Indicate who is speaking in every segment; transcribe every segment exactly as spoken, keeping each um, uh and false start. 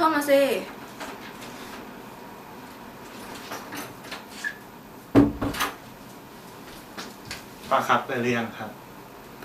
Speaker 1: มาสิ
Speaker 2: ป้าครับไปเรียนครับ
Speaker 1: ไป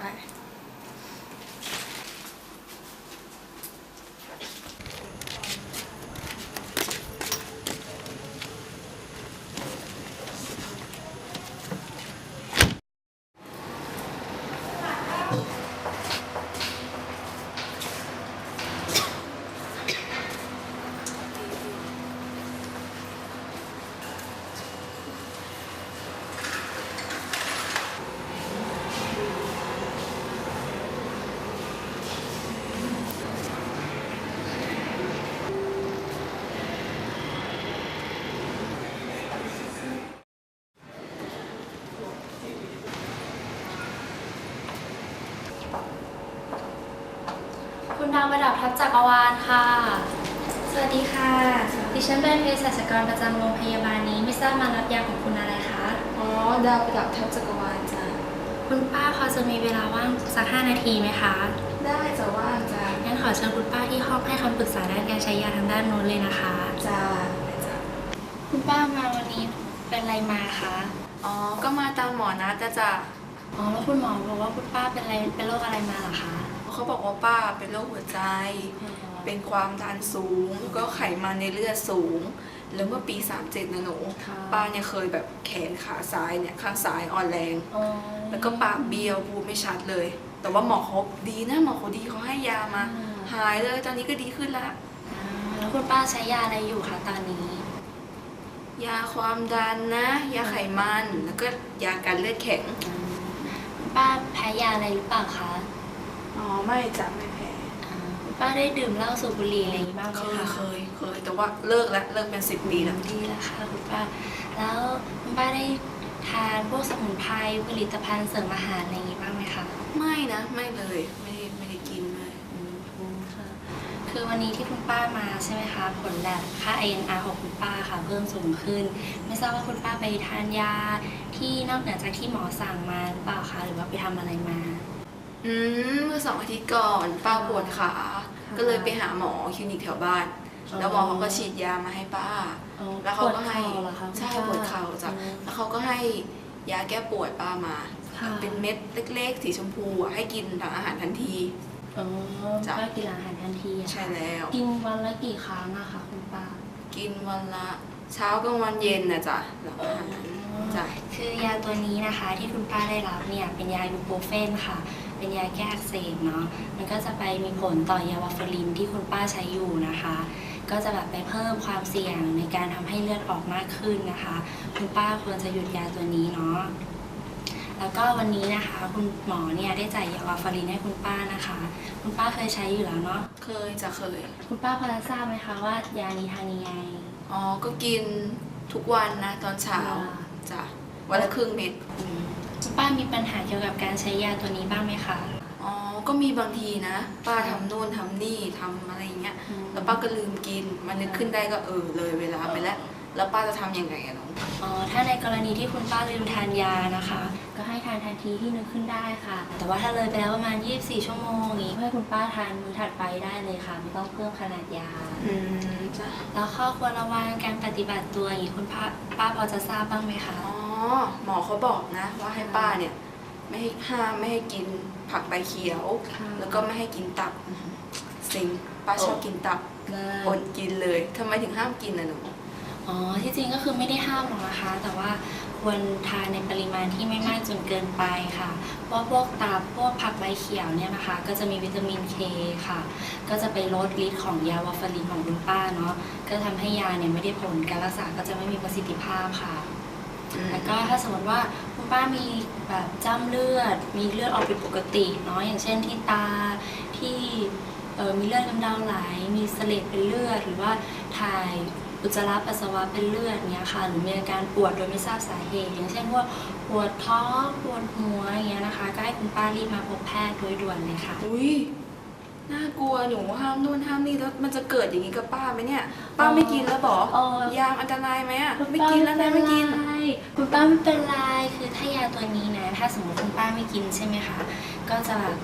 Speaker 3: คุณดาวประดับทัพจักรวาลค่ะ สวัสดีค่ะ ดิฉันเป็นเภสัชกรประจำโรงพยาบาลนี้ไม่ทราบมารับยาของคุณอะไรคะ
Speaker 1: อ๋อดาวประดับทัพจักรวาลจ้ะ
Speaker 3: คุณป้าพอจะมีเวลาว่างสักห้านาทีไหมคะ
Speaker 1: ได้จะว่างจ้ะ
Speaker 3: งั้นขอเชิญคุณป้าที่ห้องให้คำปรึกษาด้านการใช้ยาทางด้านโน้นเลยนะคะ
Speaker 1: จ้ะ
Speaker 3: คุณป้ามาวันนี้เป็นอะไรมาคะ
Speaker 1: อ๋อก็มาตามหมอนะจ้ะจ้ะ
Speaker 3: อ๋อแล้วคุณหมอบอกว่าคุณป้าเป็นอะไรเป็นโรคอะไรมาเหรอคะ
Speaker 1: เขาบอกว่าป้าเป็นโรคหัวใจเป็นความดันสูงก็ไขมันในเลือดสูงแล้วเมื่อปีสามเจ็ดนะหนูป้าเนี่ยเคยแบบแขนขาซ้ายเนี่ยข้างซ้ายอ่อนแรงแล้วก็ปากเบี้ยวพูดไม่ชัดเลย แต่ว่าหมอเขาดีนะหมอเขาดีเขาให้ยามาหายเลยตอนนี้ก็ดีขึ้นแล้ว
Speaker 3: แล้วคุณป้าใช้ยาอะไรอยู่คะตอนนี้
Speaker 1: ยาความดันนะยาไขมันแล้วก็ยากันเลือดแข็ง
Speaker 3: ป้าแพ้ยาอะไรหรือเปล่าคะ
Speaker 1: อ๋อไม่จ้ะไม่แพ้
Speaker 3: ป้าได้ดื่มเหล้าสูบบุหรี่อะไรอย่างนี้บ้างไหม
Speaker 1: คะเคยเคยแต่ว่าเลิกแล้วเลิกเป็นสิบปีแล้ว
Speaker 3: ดีแล้วค่ะคุณป้าแล้วคุณป้าได้ทานพวกสมุนไพรผลิตภัณฑ์เสริมอาหารอะไรอย่างนี้บ้างไหมคะ
Speaker 1: ไม่นะไม่เลยไม่ได้ไม่ได้กินเลย
Speaker 3: คือวันนี้ที่คุณป้ามาใช่ไหมคะผลแลบค่า ไอ เอ็น อาร์ ของคุณป้าค่ะเพิ่มสูงขึ้นไม่ทราบว่าคุณป้าไปทานยาที่นอกเหนือจากที่หมอสั่งมาหรือเปล่าคะหรือว่าไปทำอะไรมา
Speaker 1: อืมเมื่อสองอาทิตย์ก่อนป้าปวดขาก็เลยไปหาหมอคลินิกแถวบ้านแล้วหมอเขาก็ฉีดยามาให้ป้าแล้วเขาก็ให้ใช่ปวดเข่าจ้ะแล้วเขาก็ให้ยาแก้ปวดป้ามาเป็นเม็ดเล็กๆสีชมพูให้กินหลังอาหารทันที
Speaker 3: อ๋อป้ากินอาหารทันที
Speaker 1: ใช่แล้ว
Speaker 3: กินวันละกี่ครั้งอะคะคุณป้า
Speaker 1: กินวันละเช้ากลางวันเย็นนะจ๊ะหลังอาหาร
Speaker 3: จ้ะคือยาตัวนี้นะคะที่คุณป้าได้รับเนี่ยเป็นยายูโปรเฟนค่ะเป็นยาแก้อักเสบเนาะมันก็จะไปมีผลต่อยาวาฟารินที่คุณป้าใช้อยู่นะคะก็จะแบบไปเพิ่มความเสี่ยงในการทำให้เลือดออกมากขึ้นนะคะคุณป้าควรจะหยุดยาตัวนี้เนาะแล้วก็วันนี้นะคะคุณหมอเนี่ยได้จ่ายยาวาฟารินให้คุณป้านะคะคุณป้าเคยใช้อยู่แล้วเนาะ
Speaker 1: เคยจะเคย
Speaker 3: คุณป้าพอจะทราบไหมคะว่ายานี้ทานยังไง
Speaker 1: อ๋อก็กินทุกวันนะตอนเช้าจ้ะวันละครึ่งเม็ด
Speaker 3: คุณป้ามีปัญหาเกี่ยวกับการใช้ยาตัวนี้บ้างไหมคะ
Speaker 1: อ๋อก็มีบางทีนะป้าทำโน่นทำนี่ทำอะไรอย่างเงี้ยแล้วป้าก็ลืมกินมันนึกขึ้นได้ก็เออเลยเวลาไปแล้วแล้วป้าจะทำยังไงอะน้อง
Speaker 3: อ๋อถ้าในกรณีที่คุณป้าลืมทานยานะคะก็ให้ทานทันทีที่นึกขึ้นได้ค่ะแต่ว่าถ้าเลยไปแล้วประมาณยี่สิบสี่ชั่วโมงอย่างนี้ให้คุณป้าทานมื้อถัดไปได้เลยค่ะไม่ต้องเพิ่มขนาดยา
Speaker 1: อืมจ้ะ
Speaker 3: แล้วข้อควรระวังการปฏิบัติตัวอย่างนี้คุณป้าป้าพอจะทราบบ้างไหมคะ
Speaker 1: อ๋อหมอเขาบอกนะว่าให้ป้าเนี่ยไม่ให้ห้ามไม่ให้กินผักใบเขียวแล้วก็ไม่ให้กินตับสิงป้าชอบกินตับอดกินเลยทำไมถึงห้ามกินนะหนู
Speaker 3: อ๋อที่จริงก็คือไม่ได้ห้ามหรอกนะคะแต่ว่าควรทานในปริมาณที่ไม่มากจนเกินไปค่ะเพราะพวกตับพวกผักใบเขียวเนี่ยนะคะก็จะมีวิตามินเคค่ะก็จะไปลดฤทธิ์ของยาวาฟารินของคุณป้าเนาะก็ทำให้ยาเนี่ยไม่ได้ผลการรักษาก็จะไม่มีประสิทธิภาพค่ะแล้วก็ถ้าสมมติว่าคุณป้ามีแบบจ้ำเลือดมีเลือดออกผิดปกติเนาะอย่างเช่นที่ตาที่มีเลือดกำเดาไหลมีเสลดเป็นเลือดหรือว่าถ่ายอุจจาระปัสสาวะเป็นเลือดเนี้ยค่ะหรือมีอาการปวดโดยไม่ทราบสาเหตุอย่างเช่นว่าปวดท้องปวดหัวอย่างเงี้ยนะคะก็ให้คุณป้ารีบมาพบแพทย์โดยด่วนเลยค่ะ
Speaker 1: อุ้ยน่ากลัวหนูห้ามนู่นห้ามนี่แล้วมันจะเกิดอย่างนี้กับป้าไหมเนี่ยป้าไม่กินแล้วบอกยาอันตรายไหมอ่ะไม่กินแล้วนะไม่กิน
Speaker 3: คุณป้าไม่เป็นไรคือถ้ายาตัวนี้นะถ้าสมมติคุณป้าไม่กินใช่ไหมคะก็จะแบบ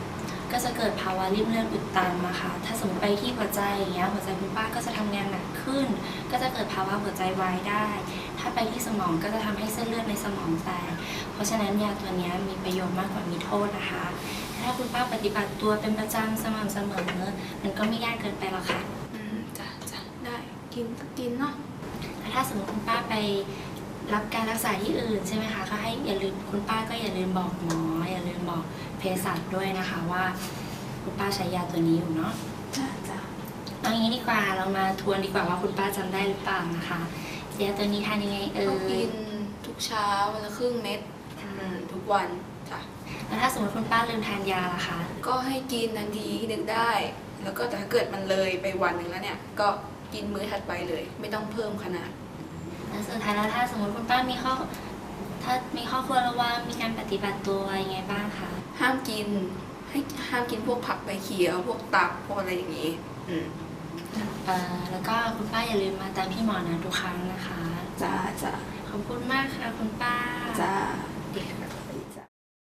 Speaker 3: ก็จะเกิดภาวะริ่มเลือดอุดตันมาค่ะถ้าสมมติไปที่หัวใจอย่างเงี้ยหัวใจคุณป้าก็จะทำงานหนักขึ้น ก็จะเกิดภาวะหัวใจวายได้ ถ้าไปที่สมองก็จะทำให้เส้นเลือดในสมองแตกเพราะฉะนั้นยาตัวนี้มีประโยชน์มากกว่ามีโทษนะคะถ้าคุณป้าปฏิบัติตัวเป็นประจำสม่ำเสมอมันก็ไม่ยากเกินไปหรอกค่ะ
Speaker 1: อืมจ้ะจ้ะได้กินก็กินเนาะ
Speaker 3: ถ้าสมมติคุณป้าไปรับการรักษาที่อื่นใช่ไหมคะก็ให้อย่าลืมคุณป้าก็อย่าลืมบอกหมออย่าลืมบอกเภสัชด้วยนะคะว่าคุณป้าใช้ยาตัวนี้อยู่เนาะ
Speaker 1: จ้ะจ้ะ
Speaker 3: เอางี้ดีกว่าเรามาทวนดีกว่าว่าคุณป้าจำได้หรือเปล่านะคะยาตัวนี้ทานยังไงเอ่
Speaker 1: ต้องกิ
Speaker 3: ย
Speaker 1: นทุกเช้าวันละครึ่งเม็ดอืมทุกวันจ้ะ
Speaker 3: แล้วถ้าสมมติคุณป้าลืมทานยาล่ะคะ
Speaker 1: ก็ให้กินทันทีนึกได้ แล้วก็แต่ถ้าเกิดมันเลยไปวันหนึ่งแล้วเนี่ยก็กินมื้อถัดไปเลย ไม่ต้องเพิ่มขนาด
Speaker 3: แล้วสุดท้ายแล้วถ้าสมมติคุณป้ามีข้อถ้ามีข้อควรระวังมีการปฏิบัติตัวยังไงบ้างคะ
Speaker 1: ห้ามกินให้ห้ามกินพวกผักใบเขียว พวกตับพวกอะไรอย่างนี้อืม
Speaker 3: เอ่อแล้วก็คุณป้าอย่าลืมมาตามพี่หมอนะทุกครั้งนะคะ
Speaker 1: จ้าจ้า
Speaker 3: ขอบคุณมากค่ะคุณป้า
Speaker 1: จ้า
Speaker 3: ดีค่ะ
Speaker 1: จ้า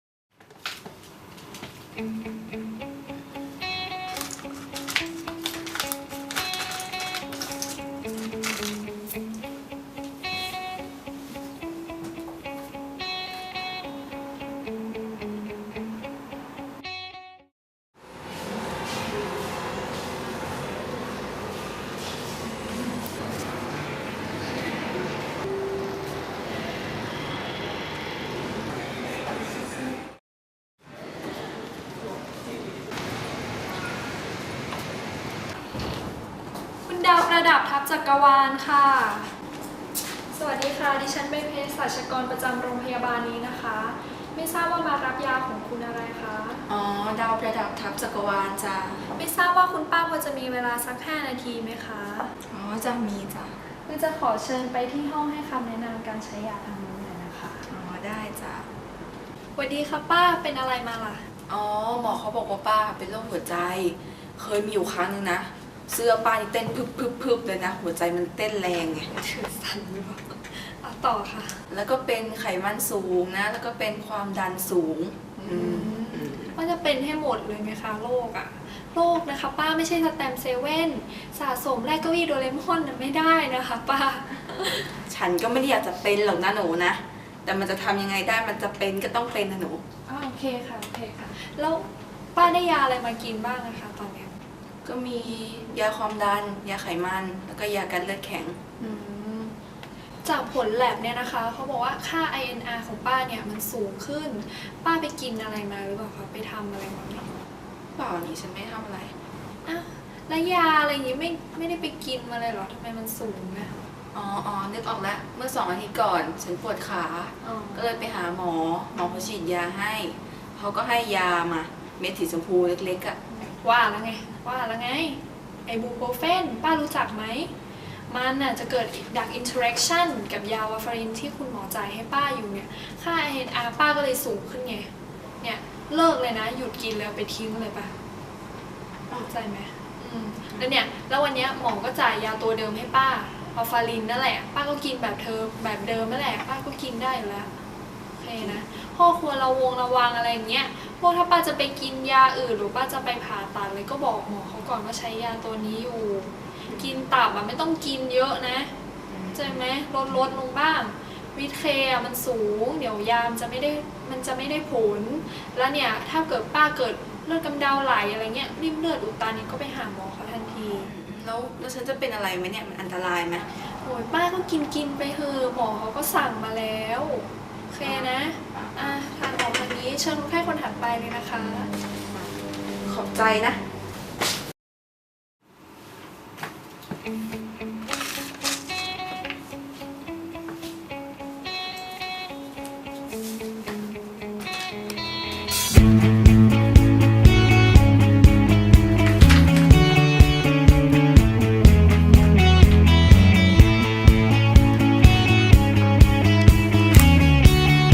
Speaker 4: คุณดาวประดับทัพจักรวาลค่ะ สวัสดีค่ะ ดิฉันเป็นเภสัชกรประจำโรงพยาบาลนี้นะคะ ไม่ทราบว่ามารับยาของคุณอะไรคะ
Speaker 1: อ๋อดาวประดับทับจักรวาลจ้า
Speaker 4: ไม่ทราบว่าคุณป้าพอจะมีเวลาสักห้านาทีไหมคะ
Speaker 1: อ๋อจะมีจ้า
Speaker 4: เราจะขอเชิญไปที่ห้องให้คำแนะนำการใช้ยาทางนู้นหน่อยนะคะ
Speaker 1: อ๋อได้จ้า
Speaker 4: สวัสดีค่ะป้า เป็นอะไรมาล่ะ
Speaker 1: อ๋อหมอเขาบอกว่าป้าเป็นโรคหัวใจ เคยมีอยู่ครั้งนึงนะเสื้อป้านี่เต้นพึบพึบพึบเลยนะหัวใจมันเต้นแรงไง
Speaker 4: ถือสั่นหรือเปล่าเอาต่อค่ะ
Speaker 1: แล้วก็เป็นไขมันสูงนะ แล้วก็เป็นความดันสูงอืมอืม
Speaker 4: ว่าจะเป็นให้หมดเลยไหมคะโรคอะโรคนะคะป้าไม่ใช่สแตมเซเว่นสะสมแรกเก้าอี้โดเรมอนนะไม่ได้นะคะป้า
Speaker 1: ฉันก็ไม่ได้อยากจะเป็นหรอกนะหนูนะ แต่มันจะทำยังไงได้มันจะเป็นก็ต้องเป็นนะหนู
Speaker 4: อ่าโอเคค่ะโอเคค่ะ แล้วป้าได้ยาอะไรมากินบ้างนะคะตอนเนี้ย
Speaker 1: ก็มียาความดัน ยาไขมัน แล้วก็ยากันเลือดแข็ง
Speaker 4: อืมจากผลแลบเนี่ยนะคะเขาบอกว่าค่า ไอ เอ็น อาร์ ของป้าเนี่ยมันสูงขึ้น ป้าไปกินอะไรมาหรือเปล่าคะไปทำอะไรมาไหม
Speaker 1: เปล่านี่ฉันไม่ทำอะไร
Speaker 4: อ่ะแล้วยาอะไรอย่างงี้ไม่ไม่ได้ไปกินมาเลยเหรอทำไมมันสูงนะ
Speaker 1: อ๋ออ๋อนึกออกแล้ว เมื่อสองอาทิตย์ก่อน ฉันปวดขา
Speaker 4: อ๋อ
Speaker 1: ก็เลยไปหาหมอ หมอเขาฉีดยาให้ เขาก็ให้ยามา เม็ดสีชมพูเล็กๆอะ่ะ
Speaker 4: ว่าแล้วไงว่าแล้วไงไอบูโปรเฟนป้ารู้จักไหมมันน่ะจะเกิดดักอินเทอร์แอคชั่นกับยาวาฟารินที่คุณหมอจ่ายให้ป้าอยู่เนี่ยค่า ไอ เอ็น อาร์ ป้าก็เลยสูงขึ้นไงเนี่ยเลิกเลยนะหยุดกินแล้วไปทิ้งเลยป่ะเข้าใจไหมอืมแล้วเนี่ยแล้ววันเนี้ยหมอก็จ่ายยาตัวเดิมให้ป้าอัลฟารินนั่นแหละป้าก็กินแบบเธอแบบเดิมนั่นแหละป้าก็กินได้อยู่แล้วโอเคนะพ่อควรระวงระวังอะไรอย่างเงี้ยพวกถ้าป้าจะไปกินยาอื่นหรือป้าจะไปผ่าตัดเลยก็บอกหมอเขาก่อนว่าใช้ยาตัวนี้อยู่ กินตับอ่ะไม่ต้องกินเยอะนะเข้าใจไหมลดลดลงบ้างวิตเคอ่ะมันสูงเดี๋ยวยามจะไม่ได้มันจะไม่ได้ผล แล้วเนี่ยถ้าเกิดป้าเกิดเลือดกำเดาไหลอะไรเงี้ยริ่มเลือดอุดตันเนี่ยก็ไปหาหมอเขาทันที
Speaker 1: แล้วแล้วฉันจะเป็นอะไรไหมเนี่ย มันอันตรายไหม
Speaker 4: โอ้ยป้าก็กินกินไปเถอะหมอเขาก็สั่งมาแล้วโอเคนะอ่ะทานหมอคนนี้เชิญคนไข้คนถัดไปเลยนะคะ
Speaker 1: ขอบใจนะ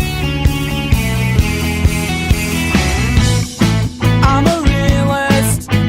Speaker 5: I'm a realist.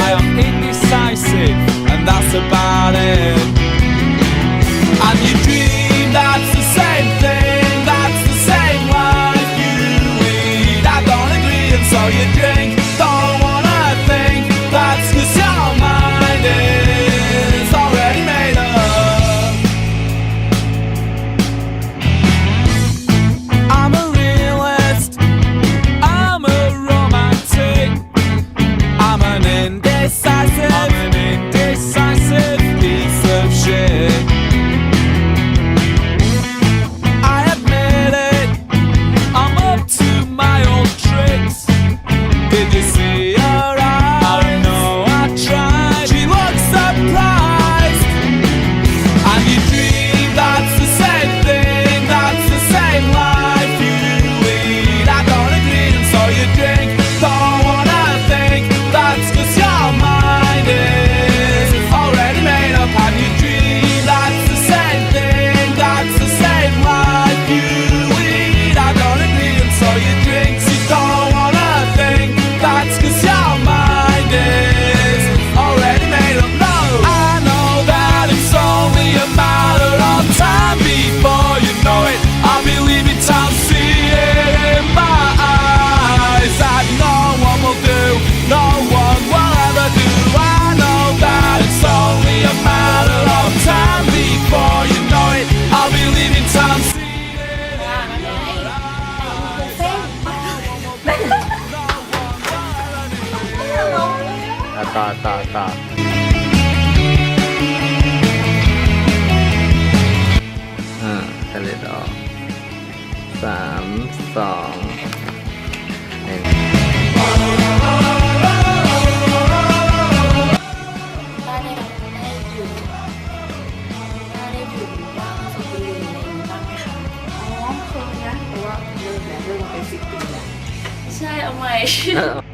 Speaker 5: I am indecisive, and that's about it. And you dream that's the same thing, that's the same life you lead. I don't agree, and so you drink. Don't wanna think, that's 'cause your mind is already made up. I'm a realist, I'm a romantic, I'm an indecisive, I'm an indecisive piece of shit. I admit it, I'm up to my old tricks. Did you see her eyes? I know I tried. She looks surprised. And you dream that's the same thing, that's the same life you lead. I don't agree, and so you drink. Don't wanna think, that's 'cause your mind is already made up. And you dream that's the same thing, that's the same life you lead. I don't agree, and so you drink. You don't wanna think, that's 'cause your mind is already made up. No, I know that it's only a matter of time before you know it. I'll be leaving town, see it in my eyes that no one will do, no one will ever do. I know that it's only a matter of time before you know it. I'll be leaving town, see it in my eyes.
Speaker 6: อ่ะต่อต่อต่ออ่าทะเลดอกสามสองหนึ่ง
Speaker 3: ป้าได้รับได้อยู่ป้าได้อยู่บ้างสักปีอะไรอย่างนี้บ้างไหมคะ
Speaker 1: อ๋อเคยนะเพราะว่าเลิกแล้วเลิกมาเป็นสิบปีแล้ว
Speaker 3: ใช่เอาใหม่